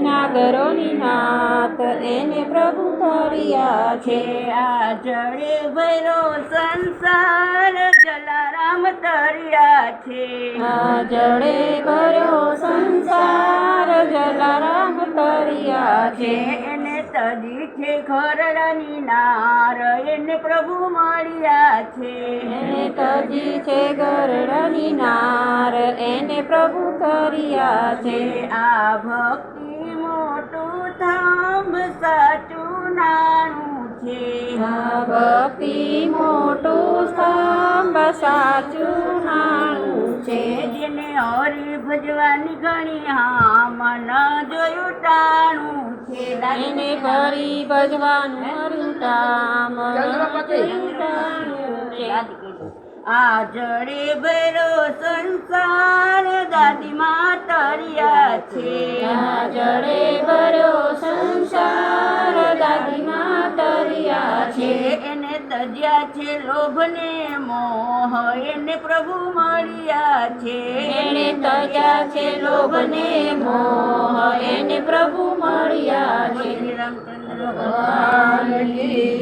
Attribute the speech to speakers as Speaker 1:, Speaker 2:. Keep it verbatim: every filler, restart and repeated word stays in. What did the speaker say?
Speaker 1: નાગરોની નાથ એને પ્રભુ તર્યા છે.
Speaker 2: આ જળે ભૈરો સંસાર જલારામ તર્યા છે.
Speaker 1: આ જળે ભર્યો સંસાર જલારામ તર્યા છે.
Speaker 2: એને તજી છે ખરડાની નાર એને પ્રભુ મળ્યા છે.
Speaker 1: એને તજી છે ગરડાની નાર એને પ્રભુ તર્યા છે.
Speaker 2: આ ભક્તિ મોટું થાંભ સાચું નાનું છે.
Speaker 1: આ ભક્તિ મોટું સ્તંભ સાચું નાનું છે.
Speaker 2: જેને હરી ભજવાની ઘણી હા મન જોયું ટાણું છે.
Speaker 1: એને ફરી ભજવાનું રૂટામ
Speaker 2: આ જડે ભૈરો સંસાર દાદીમાં તર્યા છે.
Speaker 1: આ જડે ભર્યો સંસાર દાદીમાં તર્યા છે.
Speaker 2: એને તજ્યા છે લોભ ને મોહ એને પ્રભુ મળ્યા છે.
Speaker 1: એને તજ્યા છે લોભ ને મોહ એને પ્રભુ મળ્યા છે.
Speaker 2: શ્રી રામચંદ્ર ભગવાન કી